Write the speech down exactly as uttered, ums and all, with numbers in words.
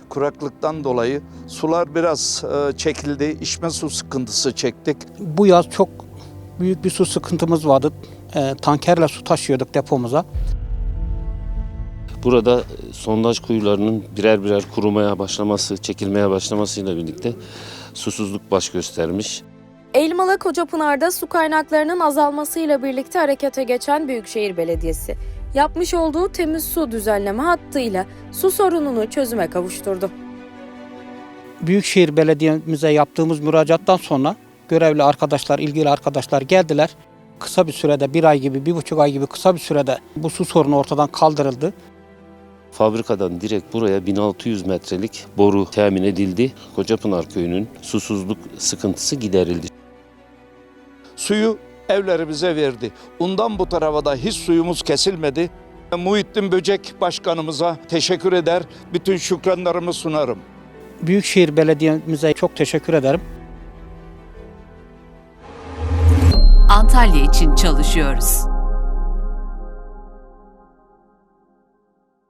kuraklıktan dolayı sular biraz e, çekildi. İçme su sıkıntısı çektik. Bu yaz çok büyük bir su sıkıntımız vardı. E, tankerle su taşıyorduk depomuza. Burada sondaj kuyularının birer birer kurumaya başlaması, çekilmeye başlamasıyla birlikte susuzluk baş göstermiş. Elmalı Kocapınar'da su kaynaklarının azalmasıyla birlikte harekete geçen Büyükşehir Belediyesi, yapmış olduğu temiz su düzenleme hattıyla su sorununu çözüme kavuşturdu. Büyükşehir Belediye'mize yaptığımız müracaattan sonra görevli arkadaşlar, ilgili arkadaşlar geldiler. Kısa bir sürede, bir ay gibi, bir buçuk ay gibi kısa bir sürede bu su sorunu ortadan kaldırıldı. Fabrikadan direkt buraya bin altı yüz metrelik boru temin edildi. Kocapınar Köyü'nün susuzluk sıkıntısı giderildi. Suyu evlerimize verdi. Ondan bu tarafa da hiç suyumuz kesilmedi. Muhittin Böcek Başkanımıza teşekkür eder, bütün şükranlarımı sunarım. Büyükşehir Belediye'mize çok teşekkür ederim. Antalya için çalışıyoruz.